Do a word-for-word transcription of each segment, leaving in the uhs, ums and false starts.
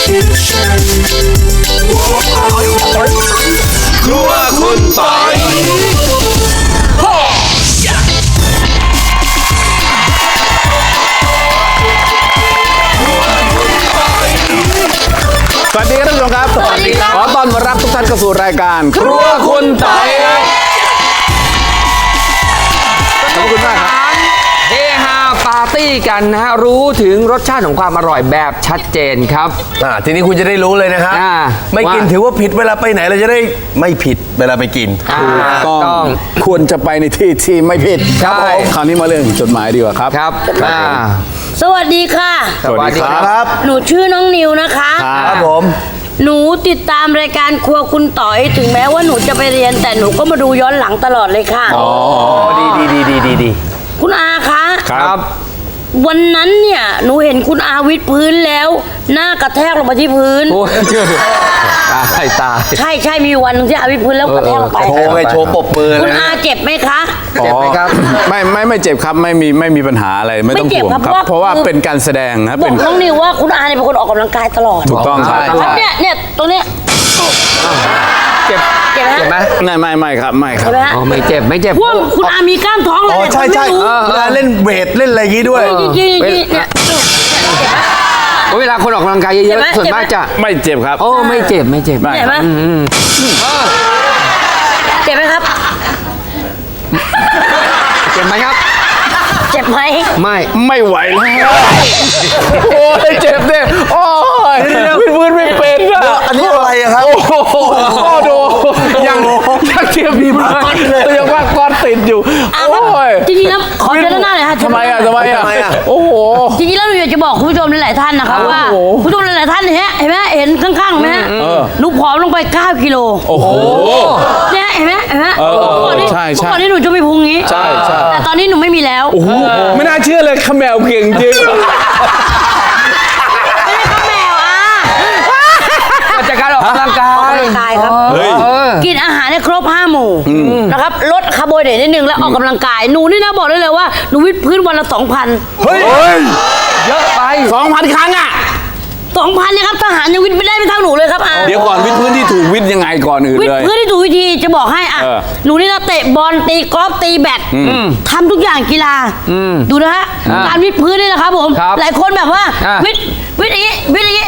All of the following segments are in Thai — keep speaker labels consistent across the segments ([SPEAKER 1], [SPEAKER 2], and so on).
[SPEAKER 1] ครัวคุณปอย
[SPEAKER 2] สวัสดีครับท่านผู้ชมครับ สวัสดีครับ ขอต้อนรับทุกท่านเข้าสู่รายการครัวคุณปอยครับขอบคุณมากครับ
[SPEAKER 3] เฮฮาปาร์ตี้กันนะฮะรู้ถึงรสชาติของความอร่อยแบบชัดเจนครับ
[SPEAKER 1] อ่าทีนี้คุณจะได้รู้เลยนะครับ
[SPEAKER 3] อ่า
[SPEAKER 1] ไม่กิน
[SPEAKER 3] ว่า
[SPEAKER 1] ถือว่าผิดเวลาไปไหนเราจะได้ไม่ผิดเวลาไปกิน
[SPEAKER 3] อ่า
[SPEAKER 2] ต้องควรจะไปในที่ที่ไม่ผิด
[SPEAKER 3] ครับผม
[SPEAKER 2] คราวนี้มาเรื่องจดหมายดีกว่าครับ
[SPEAKER 3] ครับอ่า
[SPEAKER 4] สวัสดีค่ะ
[SPEAKER 2] สวัสดีครับ
[SPEAKER 1] ครับ
[SPEAKER 4] หนูชื่อน้องนิวนะคะ
[SPEAKER 1] ครับผม
[SPEAKER 4] หนูติดตามรายการครัวคุณต่อยถึงแม้ว่าหนูจะไปเรียนแต่หนูก็มาดูย้อนหลังตลอดเลยค่ะ
[SPEAKER 1] อ๋อดีดีดีดีดีดี
[SPEAKER 4] คุณอาคะ
[SPEAKER 2] ครับ
[SPEAKER 4] วันนั้นเนี่ยหนูเห็นคุณอาวิดพื้นแล้ว หน้ากระแทกลงมาที่พื้น
[SPEAKER 3] โอ้ยตายตาย
[SPEAKER 4] ใช่ใช่มีวันหนึงที่อาวิดพื้นแล้วกระแทกลงไป
[SPEAKER 1] โชว์ไงโชว์ปรบมือ
[SPEAKER 4] คุ
[SPEAKER 1] เล
[SPEAKER 4] ณ
[SPEAKER 1] ย
[SPEAKER 4] อา
[SPEAKER 1] นะ
[SPEAKER 4] เจ็บไหมคะ
[SPEAKER 3] เจ็บไหมครับ
[SPEAKER 2] ไม่ไม่ไม่เจ็บครับไม่มีไม่มีปัญหาอะไรไม่ต้อง
[SPEAKER 4] ไม่เจ็บ
[SPEAKER 2] ห่วง
[SPEAKER 4] ครับ
[SPEAKER 2] ครับ
[SPEAKER 4] เพ
[SPEAKER 2] เพ
[SPEAKER 4] ราะ
[SPEAKER 2] ราะ
[SPEAKER 4] ว่า
[SPEAKER 2] ว่าเป็นการแสดงนะ
[SPEAKER 4] บ
[SPEAKER 2] เป็
[SPEAKER 4] อน กน้องนิวว่าคุณอาเนี่ยเป็นคนออกกำลังกายตลอด
[SPEAKER 2] ถูกต้องครับ
[SPEAKER 3] ตลอด
[SPEAKER 4] เนี่ยเนี่ยตรงเนี้ย
[SPEAKER 3] เจ็บ
[SPEAKER 4] เจ็บไหม
[SPEAKER 3] เจ็บไหม
[SPEAKER 2] ไม่ไม่ไม่ครับไม่ครับ
[SPEAKER 4] เจ็บไหมฮะ
[SPEAKER 3] อ๋อไม่เจ็บไม่เจ็บ
[SPEAKER 4] พวกคุณอามีกล้ามท้องเลย
[SPEAKER 1] อ๋อใช่ใช่
[SPEAKER 4] คนไม่รู้
[SPEAKER 1] เวลาเล่นเวทเล่นอะไรอย่างงี้ด้วย
[SPEAKER 4] จริงๆจริงๆเนี่ย
[SPEAKER 3] โอ้ยเวลาคนออกกำลังกายเย
[SPEAKER 4] เจ็บ
[SPEAKER 3] อะ
[SPEAKER 4] ไหม
[SPEAKER 3] ๆส่วนมาก
[SPEAKER 4] เจ็บไหม
[SPEAKER 3] จะ
[SPEAKER 2] ไม่เจ็บครับ
[SPEAKER 3] โอ้ไม่เจ็บไม่เจ็บ
[SPEAKER 2] ไม่
[SPEAKER 4] เจ็บไหมเจ็บไหมครับ
[SPEAKER 3] เจ็บไหมครับ
[SPEAKER 4] เจ็บไหม
[SPEAKER 3] ไม่
[SPEAKER 2] ไม่ไหวแล้วโอ้ยเจ็บเนี่ยโอ้ยพื้นไม่เป็นอะ
[SPEAKER 1] อันนี้อะไรอะครับ
[SPEAKER 2] โอ้โหดูยังยังเทียบดีมากยังว่าก้อนติดอยู่โอ้ย
[SPEAKER 4] จริงๆแล้วขอเจอหน้าหน่อยค่ะ
[SPEAKER 2] ทำไมอ่ะทำไมอ่ะ
[SPEAKER 1] ทำไมอ่ะ
[SPEAKER 2] โอ้โห
[SPEAKER 4] จริงๆแล้วหนูอยากจะบอกคุณผู้ชมหลายๆท่านนะครับว่า
[SPEAKER 2] โอ้โห
[SPEAKER 4] คุณผู้ชมหลายๆท่านเนี่ยเห็นไหมเห็นข้างๆไหมฮะ
[SPEAKER 2] เออ
[SPEAKER 4] หนูผอมลงไปเก้ากิโล
[SPEAKER 2] โอ้โห
[SPEAKER 4] เนี่ยเห็นไหมเห็นไหม
[SPEAKER 2] เออ
[SPEAKER 4] เมื่อก่อนนี้
[SPEAKER 2] ใช่ใช่
[SPEAKER 4] เมื่อก่อนนี้หนูจะมีพุงงี้
[SPEAKER 2] ใช่ใช่
[SPEAKER 4] แต่ตอนนี้หนูไม่มีแล้ว
[SPEAKER 2] โอ้โหไม่น่าเชื่อเลยขมแมวเก่งจริง
[SPEAKER 4] ไม่ได้ข้าวแมวอ่ะ
[SPEAKER 3] มาจากการออกกำลังกาย
[SPEAKER 4] ออกกำลังกายครับ
[SPEAKER 2] เฮ้ย
[SPEAKER 3] เออ
[SPEAKER 4] กินอาหารให้ครบห้าหมู่นะครับลดคาร์โบไฮเดรตนิดนึงแล้วออกกำลังกายหนูนี่นะบอกได้เลยว่าหนูวิดพื้นวันละสองพัน
[SPEAKER 2] เฮ้ย
[SPEAKER 3] เยอะไป
[SPEAKER 2] สองพันครั้งอ่ะ
[SPEAKER 4] สองพันเนี่ยครับทหารยังวิดไม่ได้ไม่เท่าหนูเลยครับอา
[SPEAKER 2] เดี๋ยวก่อนวิทย์พื้นที่ถูกวิทย์ยังไงก่อนอื่น
[SPEAKER 4] วิด
[SPEAKER 2] เลย
[SPEAKER 4] พื้นที่ถูกวิธีจะบอกให้อ่ะ
[SPEAKER 2] เออ
[SPEAKER 4] หนูนี่นะเตะบอลตีกอล์ฟตีแบดทำทุกอย่างกีฬาดูนะฮะ
[SPEAKER 3] อ่า
[SPEAKER 4] การวิดพื้นนี่นะครับผม
[SPEAKER 3] ครับ
[SPEAKER 4] หลายคนแบบว่า
[SPEAKER 3] อ่า
[SPEAKER 4] วิดวิดอย่างงี้วิดอย่างงี้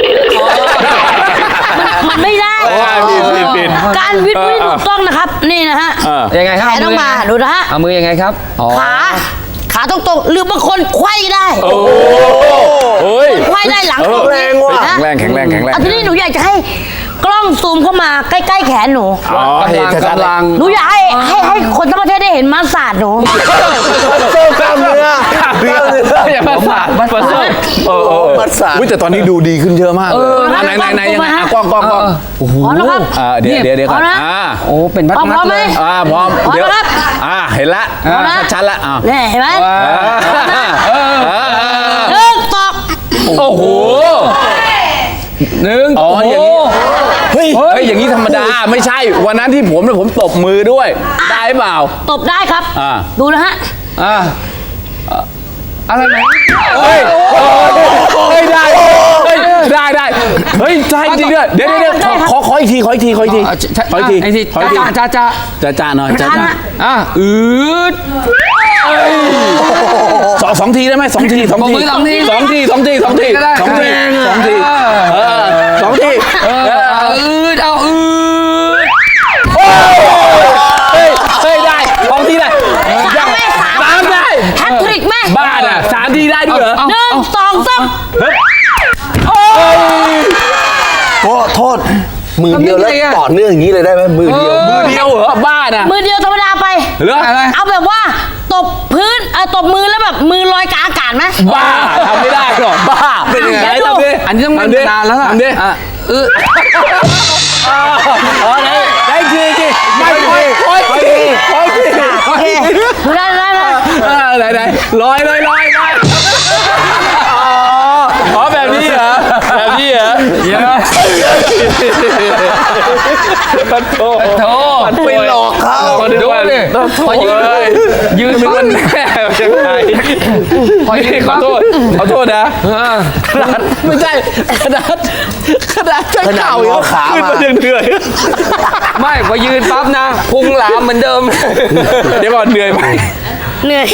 [SPEAKER 4] มันมันไม่ได้
[SPEAKER 2] ใช่ผิดผิดผิด
[SPEAKER 4] การวิดพื้นที่ถูกต้องนะครับนี่นะฮะ
[SPEAKER 2] เออ
[SPEAKER 3] ยังไงครับ
[SPEAKER 4] แขนต้องมาดูนะฮะ
[SPEAKER 3] เอามือยังไงครับอ๋อ
[SPEAKER 4] ขาขาตรงๆหรือบางคนไขว้ได้
[SPEAKER 2] โอ้โห
[SPEAKER 4] ไขว้ได้หลัง
[SPEAKER 2] เออ
[SPEAKER 4] ตรง
[SPEAKER 1] แรงว่ะ
[SPEAKER 4] นะ
[SPEAKER 2] แข็งแรงแข็งแรงแข็งแรง
[SPEAKER 4] อันนี้หนูอยากจะให้กล้องซูมเข้ามาใกล้ๆแขนหนู
[SPEAKER 2] อ๋อเห็นชัดๆ
[SPEAKER 3] กำลัง
[SPEAKER 4] หนูอยากให้ให้ให้คนทั้งประเทศได้เห็นมาสาดหนู
[SPEAKER 1] โซ่กล้ามเนื้อ
[SPEAKER 2] เดือดอย่ามาสาดมาสาดเออเออ
[SPEAKER 1] มัดสาด
[SPEAKER 2] อุ๊ยแต่ตอนนี้ดูดีขึ้นเยอะมากเลย
[SPEAKER 4] อ
[SPEAKER 2] ไหนไหนไหนยังไง
[SPEAKER 4] มาฮะ
[SPEAKER 2] อ่ะกล้องกล้องกล้องโอ้โห
[SPEAKER 4] พร้อมนะครับ
[SPEAKER 2] อ่าเดี๋ยวเดี๋ยวเดี๋ยวก่อน
[SPEAKER 4] พร้อมนะ
[SPEAKER 2] อ่า
[SPEAKER 3] โอ้เป็นพัด
[SPEAKER 4] พร้อม
[SPEAKER 3] มัด
[SPEAKER 4] ไหม
[SPEAKER 3] เลย
[SPEAKER 2] อ่าพร้อม
[SPEAKER 4] พร้อม
[SPEAKER 2] เดี๋ยว
[SPEAKER 4] นะครับ
[SPEAKER 2] อ่าเห็นละ
[SPEAKER 4] พร้อมนะ
[SPEAKER 2] ชัดๆละอ่า
[SPEAKER 4] เนี่ยเห็นไหม
[SPEAKER 2] เออ
[SPEAKER 4] หนึ่งสอง
[SPEAKER 2] โอ้โห
[SPEAKER 3] หนึ่ง
[SPEAKER 2] อ๋ออย่างนี้
[SPEAKER 3] เฮ้ย
[SPEAKER 2] เฮ้ยอย่างนี้ธรรมดาไม่ใช่วันนั้นที่ผมเนี่ยผมตบมือด้วยได้เปล่า
[SPEAKER 4] ตบได้ครับ
[SPEAKER 2] อ่า
[SPEAKER 4] ดูนะฮะ
[SPEAKER 3] อ่าเอ่ออะไรไหม
[SPEAKER 2] เฮ้ยเฮ้ยได้เฮ้ยได้ได้เฮ้ยใช่จริงด้วยเดี๋ยวเดี๋ยวเดี๋ยวขอขอขออีกทีขออีกทีขออีกที
[SPEAKER 3] อ่ะใช่
[SPEAKER 2] ขออีกที
[SPEAKER 3] ไอ้ที
[SPEAKER 2] ขออีกที
[SPEAKER 3] จ้าจ้าจ้า
[SPEAKER 2] จ้าจ้าหน่อยจ้า
[SPEAKER 4] ทัน
[SPEAKER 2] จ้า
[SPEAKER 4] ฮะ
[SPEAKER 3] อ่ะอืด
[SPEAKER 2] สองสองทีได้ไหมสองทีสองที
[SPEAKER 3] สองที
[SPEAKER 2] สองทีสองทีสองที
[SPEAKER 3] ก็ได้
[SPEAKER 2] สองที
[SPEAKER 3] เออ
[SPEAKER 2] สองทีเออสองที
[SPEAKER 3] เออเอาอืดเอาอืด
[SPEAKER 2] เฮ้ยเฮ้ยได้สองทีได้
[SPEAKER 4] สามไหมสาม
[SPEAKER 2] สามได้
[SPEAKER 4] แฮตทริกไหม
[SPEAKER 2] บ้าอ่ะสามทีได้ด้วยเหรอ
[SPEAKER 4] หนึ่งสองสาม
[SPEAKER 1] โทษโทษมือเดียวแล้วต่อเนื่องอย่างนี้เลยได้ไหมมือเดียว
[SPEAKER 2] มือเดียวเหรอบ้าน่ะ
[SPEAKER 4] มือเดียวธรรมดาไป
[SPEAKER 2] เหรออะไร
[SPEAKER 4] เอาแบบว่าตบพื้นเออตบมือแล้วแบบมือลอยกลางอากาศไหม
[SPEAKER 2] บ้าทำไม่ได้หรอกบ้าเป็นยังไง
[SPEAKER 4] เดี๋ยวดู
[SPEAKER 2] ทำดิ
[SPEAKER 3] อันนี้ต้อง
[SPEAKER 2] ทำดิ
[SPEAKER 3] นานแล้วล่ะ
[SPEAKER 2] ทำดิ
[SPEAKER 3] อ่ะอืด
[SPEAKER 2] อ๋อได้ได้ทีทีไม่ทีคอยทีคอยที
[SPEAKER 4] โอเคดูได้ได้ได้
[SPEAKER 2] เออไหนไหนลอยลอยลอยลอยอ๋ออ๋อแบบนี้เหรอแบบนี้เหรอ
[SPEAKER 3] เยอะ
[SPEAKER 2] โธ่
[SPEAKER 3] โธ่
[SPEAKER 1] ไปหลอกเขา
[SPEAKER 2] ดูดิ
[SPEAKER 3] พอยืน
[SPEAKER 2] เฮ้ย
[SPEAKER 3] ยืน
[SPEAKER 2] ไม่
[SPEAKER 3] ปั๊
[SPEAKER 2] รู้
[SPEAKER 3] บ
[SPEAKER 2] แน่ยังไง
[SPEAKER 3] พอยืน
[SPEAKER 2] ขอ
[SPEAKER 3] ปั๊บ
[SPEAKER 2] โทษขอโทษนะ
[SPEAKER 3] เออ
[SPEAKER 2] ขนาดไม่ใช่ขนาดขนาดใช้
[SPEAKER 1] ขนาด
[SPEAKER 2] เข่าง
[SPEAKER 1] อขา
[SPEAKER 2] ขึ้น
[SPEAKER 1] มา
[SPEAKER 2] มายังเหนื่อย
[SPEAKER 3] ไม่พอยืนปั๊บนะพุงหลามเหมือนเดิม
[SPEAKER 2] เดี๋ยวก่อนเหนื่อยไหม
[SPEAKER 4] เหนื่อย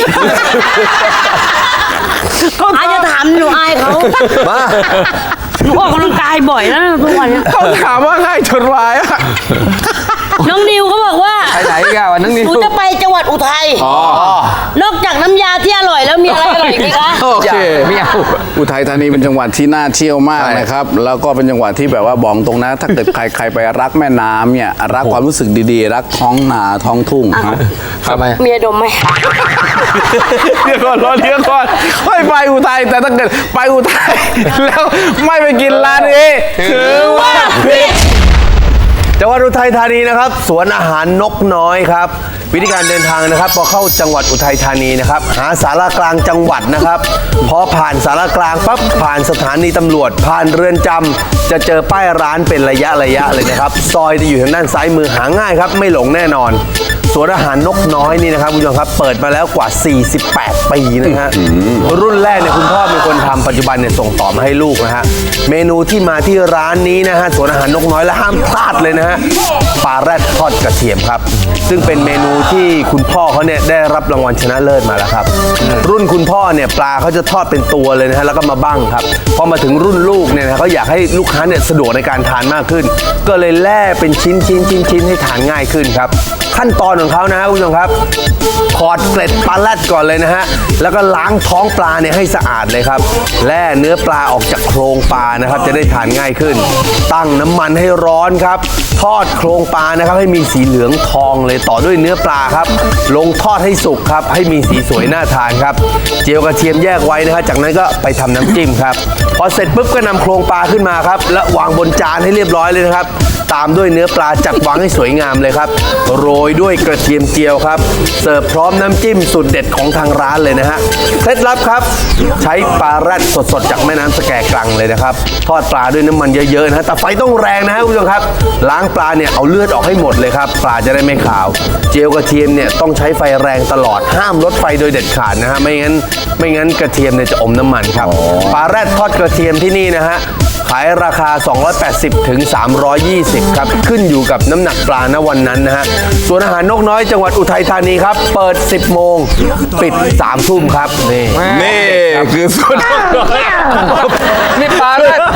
[SPEAKER 4] อายจะถามหนูอายเขา
[SPEAKER 1] มา
[SPEAKER 4] หนูออกกำลังกายบ่อยแล้วนะทุกวันเนี้ย
[SPEAKER 2] เขาถามว่าง่ายจนวายอะ
[SPEAKER 4] น้องนิวเขาบอกว่า
[SPEAKER 3] ไปไหนกันวันนั้น
[SPEAKER 4] ห
[SPEAKER 3] นี่
[SPEAKER 4] นูจะไปจังหวัดอุทัยนอกจากน้ำยาที่อร่อยแล้วมีอะไรอร่อยอีกไหมคะ
[SPEAKER 5] โอเค
[SPEAKER 3] ไม่เอา
[SPEAKER 5] อุทัยธานีเป็นจังหวัดที่น่าเที่ยวมากนะครับ แล้วก็เป็นจังหวัดที่แบบว่าบอกตรงนะ ถ้าเกิดใครใครไปรักแม่น้ำเนี่ย รักความรู้สึกดีๆ รักท้องนาท้องทุ่งฮะ
[SPEAKER 3] ทำไม
[SPEAKER 4] เมียดมไหม
[SPEAKER 2] เดี๋ยวก่อนรอเดี๋ยวก่อนไม่ไปอุทัยแต่ถ้าเกิดไปอุทัยแล้วไม่ไปกินร้านนี้ถือว่าผิด
[SPEAKER 1] จังหวัดอุทัยธานีนะครับสวนอาหารนกน้อยครับวิธีการเดินทางนะครับพอเข้าจังหวัดอุทัยธานีนะครับหาสารากลางจังหวัดนะครับพอผ่านสารกลางปั๊บผ่านสถานีตำรวจ ผ่านเรือนจำจะเจอป้ายร้านเป็นระยะระยะเลยนะครับซอยจะอยู่ทางด้านซ้ายมือหาง่ายครับไม่หลงแน่นอนสวนอาหารนกน้อยนี่นะครับคุณผู้ชมครับเปิดมาแล้วกว่า สี่สิบแปด ปีนะฮะรุ่นแรกเนี่ยคุณพ่อเป็นคนทำปัจจุบันเนี่ยส่งต่อมาให้ลูกนะฮะเมนูที่มาที่ร้านนี้นะฮะสวนอาหารนกน้อยและห้ามพลาดเลยนะฮะปลาแรดทอดกระเทียมครับซึ่งเป็นเมนูที่คุณพ่อเขาเนี่ยได้รับรางวัลชนะเลิศมาแล้วครับรุ่นคุณพ่อเนี่ยปลาเขาจะทอดเป็นตัวเลยนะฮะแล้วก็มาบั้งครับพอมาถึงรุ่นลูกเนี่ยนะเขาอยากให้ลูกค้าเนี่ยสะดวกในการทานมากขึ้น ก็เลยแล่เป็นชิ้นชิ้นชิ้นชิ้นให้ทานง่ายขึ้นครับขั้นตอนของเขานะฮะคุณผู้ชมครับขอดเกล็ดปลาแรดก่อนเลยนะฮะแล้วก็ล้างท้องปลาเนี่ยให้สะอาดเลยครับแล่เนื้อปลาออกจากโครงปลานะครับจะได้ทานง่ายขึ้น ตั้งน้ำมันให้ร้อนครับทอดโครงปลานะครับให้มีสีเหลืองทองเลยต่อด้วยเนื้อปลาครับลงทอดให้สุกครับให้มีสีสวยน่าทานครับเจียวกระเทียมแยกไว้นะฮะจากนั้นก็ไปทำน้ำจิ้มครับพอเสร็จปุ๊บก็นำโครงปลาขึ้นมาครับและวางบนจานให้เรียบร้อยเลยนะครับตามด้วยเนื้อปลาจัดวางให้สวยงามเลยครับโรยด้วยกระเทียมเจียวครับเสิร์ฟพร้อมน้ำจิ้มสุดเด็ดของทางร้านเลยนะฮะเคล็ดลับครับใช้ปลาแรดสดๆจากแม่น้ำสแกกลังเลยนะครับทอดปลาด้วยน้ำมันเยอะๆนะฮะแต่ไฟต้องแรงนะฮะคุณผู้ชมครับล้างปลาเนี่ยเอาเลือดออกให้หมดเลยครับปลาจะได้ไม่ขาวเจียวกระเทียมเนี่ยต้องใช้ไฟแรงตลอดห้ามลดไฟโดยเด็ดขาดนะฮะไม่งั้นไม่งั้นกระเทียมเนี่ยจะอมน้ำมันครับปลาแรดทอดกระเทียมที่นี่นะฮะขายราคา สองร้อยแปดสิบ ถึง สามร้อยยี่สิบ ครับ ขึ้นอยู่กับน้ำหนักปลาณวันนั้นนะฮะส่วนอาหารนกน้อยจังหวัดอุทัยธานีครับ เปิด สิบ โมง ปิด สาม ทุ่มครับ นี่
[SPEAKER 2] นี่คือส่วนน้อย
[SPEAKER 3] นี่ปลาแรด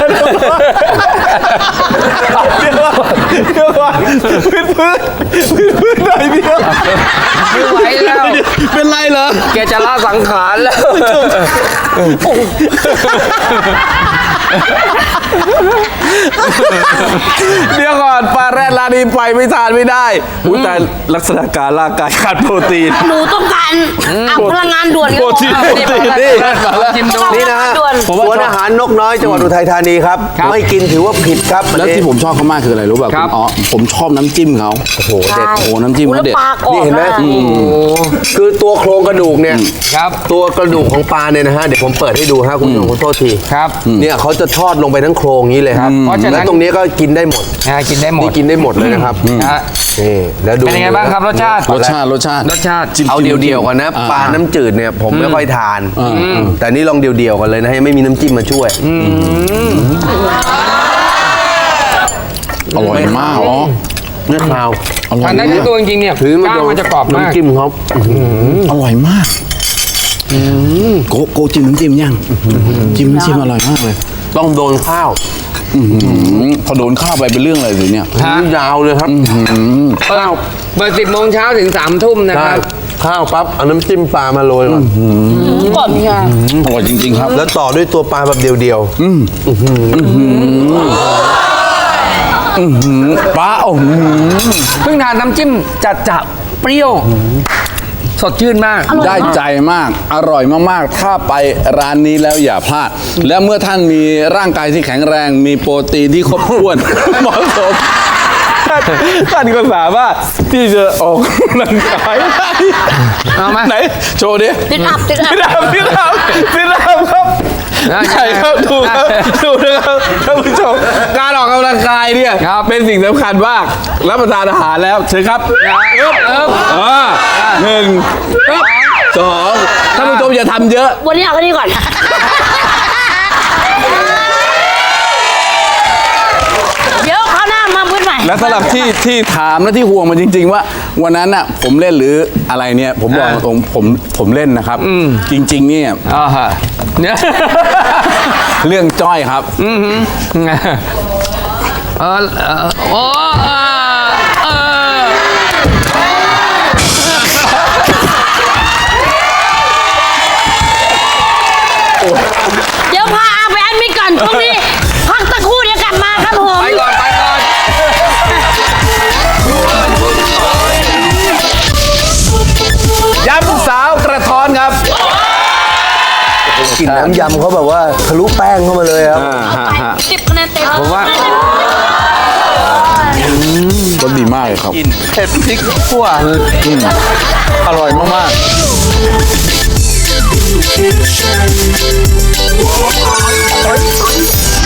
[SPEAKER 2] เดี๋ยวก่อนเดี๋ยวก่อนพื้นพื้นพื้นพื้นหน่อยเดียว
[SPEAKER 3] ไม่ไหวแล้ว
[SPEAKER 2] เป็นไรเหรอ
[SPEAKER 3] แกจะละสังขารแล้ว
[SPEAKER 2] เดี๋ยวก่อนปลาแรดร้านนี้ไปไม่ทานไม่ได้อุ้ยแต่ลักษณะการร่างกายขาดโปรตีน
[SPEAKER 4] หนูต้องการอ่ะพลังงานด่วน
[SPEAKER 2] โปรตีน
[SPEAKER 3] เอา
[SPEAKER 2] โปร
[SPEAKER 3] นี่
[SPEAKER 2] ตีน
[SPEAKER 3] ปลาแร
[SPEAKER 2] นี่
[SPEAKER 3] ดปลาแรดชิมดู
[SPEAKER 1] นี่นะฮะ
[SPEAKER 4] ด่วน
[SPEAKER 1] สวนอาหารนกน้อยจังหวัดอุทัยธานีครับ
[SPEAKER 3] ครับ
[SPEAKER 1] ไม่กินถือว่าผิดครับ
[SPEAKER 5] แล้วที่ผมชอบเขามากคืออะไรรู้ป่ะ
[SPEAKER 3] ครับ
[SPEAKER 5] อ๋อผมชอบน้ำจิ้มเขา
[SPEAKER 1] โอ้โหเด็ด
[SPEAKER 5] โอ้โหน้ำจิ้ม
[SPEAKER 4] อุ๊ย
[SPEAKER 5] เขา
[SPEAKER 4] แล้ว
[SPEAKER 5] เด็ด
[SPEAKER 4] ปลากรอบ
[SPEAKER 1] นี่เห็นไหม
[SPEAKER 4] ะ
[SPEAKER 1] คือตัวโครงกระดูกเนี่ย
[SPEAKER 3] ครับ
[SPEAKER 1] ตัวกระดูกของปลาเนี่ยนะฮะเดี๋ยวผมเปิดให้ดูฮะคุณผู้ชมขอโทษที
[SPEAKER 3] ครับ
[SPEAKER 1] เนี่ยเขาจะทอดลงไปทั้งโครงนี้เลยครับ
[SPEAKER 3] เพราะฉะนั้น
[SPEAKER 1] แล้วตรงนี้ก็กินได้หมด
[SPEAKER 3] อ่ากินได้หมด
[SPEAKER 1] นี่กินได้หมดเลยนะครับ
[SPEAKER 3] นะฮะ
[SPEAKER 1] นี่แล้วดู
[SPEAKER 3] เป็นยังไงบ้างครับรสชาติ
[SPEAKER 5] รสชาติรสชาติ
[SPEAKER 3] รสชาติ
[SPEAKER 5] จิ้ม
[SPEAKER 1] เอาเดียวๆกันนะ
[SPEAKER 5] อ่า
[SPEAKER 1] ปลาน้ำจืดเนี่ยผมไม่ค่อยทาน แต่นี่ลองเดียวๆกันเลยนะยังไม่มีน้ำจิ้มมาช่วย
[SPEAKER 5] อร่อยมากอ๋อ
[SPEAKER 1] เนื้อคราว
[SPEAKER 5] อร่อ
[SPEAKER 3] อั
[SPEAKER 5] ย
[SPEAKER 3] นนั้น
[SPEAKER 5] มา
[SPEAKER 3] ที่
[SPEAKER 5] ก
[SPEAKER 3] ตัวจริงๆเนี่ย
[SPEAKER 1] ถือมาก
[SPEAKER 3] ล้างมันจะกรอบมาก
[SPEAKER 1] น้ำจิ้มเขา
[SPEAKER 5] อร่อยมากโกโกจิ้มน้ำจิ้มยังจิ้มน้ำจิ้มอร่อยมากเลย
[SPEAKER 1] ต้องโดนข้าว
[SPEAKER 5] อืมพอโดนข้าวไปเป็นเรื่องอะไรสิเนี่ย
[SPEAKER 3] ฮะ
[SPEAKER 1] ยาวเลยครับ
[SPEAKER 3] เปิดเปิดสิบโมงเช้าถึงสามทุ่มนะค
[SPEAKER 1] ใช่
[SPEAKER 3] รับ
[SPEAKER 1] ข้าวปั๊บเอาน้ำจิ้มปลามาโรยก่อน
[SPEAKER 4] ก่อนค่ะ
[SPEAKER 5] อร่อยจริง ๆ ครับ
[SPEAKER 1] แล้วต่อด้วยตัวปลาแบบเดียว
[SPEAKER 5] ปลาโอ้โห
[SPEAKER 3] เพิ่งทานน้ำจิ้มจัดจับเปรี้ยว สดชื่นมาก
[SPEAKER 5] ได้ใจมาก อร่อยมากๆ ถ้าไปร้านนี้แล้วอย่าพลาด และเมื่อท่านมีร่างกายที่แข็งแรง มีโปรตีนที่ครบถ้วน เหมาะสม
[SPEAKER 2] ท่านก็สามารถที่จะออกกำลังกายได้
[SPEAKER 3] เอาไหม
[SPEAKER 2] ไหน โชว์ดิ
[SPEAKER 4] ติดอับติดอับ
[SPEAKER 2] พี่ดาวพี่ดาวพี่ดาวครับ
[SPEAKER 3] ได้
[SPEAKER 2] ใช่ครับดูครับดูนะครับท่านผู้ชมการออกกำลัง
[SPEAKER 5] ลังกายเนี่ย
[SPEAKER 3] ครับ
[SPEAKER 5] เป็นสิ่งสำคัญมากรับประทานอาหารแล้วเชิญครับ
[SPEAKER 3] เอิบเอิบ
[SPEAKER 5] อ่าหนึ่งสองท่านผู้ชมอย่าทำเยอะ
[SPEAKER 4] วันนี้เอาแค่นี้ก่อน เดี๋ยวคราวหน้ามาพื้นใหม่
[SPEAKER 5] และสำหรับที่ที่ถามและที่ห่วงมันจริง ๆ ว่า วันนั้นน่ะผมเล่นหรืออะไรเนี่ย ผมบอกตรงผมผมเล่นนะครับ จริง ๆ เนี่ย
[SPEAKER 3] อ่าฮะเนี่ย
[SPEAKER 5] เรื่องจ้อยครับ
[SPEAKER 3] เออเออโอ้เออเออ
[SPEAKER 4] เดี๋ยวพาอาไปแอดมิดก่อนช่วงนี้ พักตะครู่เดี๋ยวกลับมาครับผม
[SPEAKER 3] ไปก่อนไปก่อน
[SPEAKER 5] ยำสาวกระท้อนครับ
[SPEAKER 1] กลิ่นน้ำยำเขาแบบว่าทะลุแป้งเข้ามาเลยครับ
[SPEAKER 4] สิบคะแนนเต็ม
[SPEAKER 3] ผมว่า
[SPEAKER 5] รสดีมากเลยครับ
[SPEAKER 2] กินเผ็ดพริกขั่ว
[SPEAKER 5] อร่อยมากๆ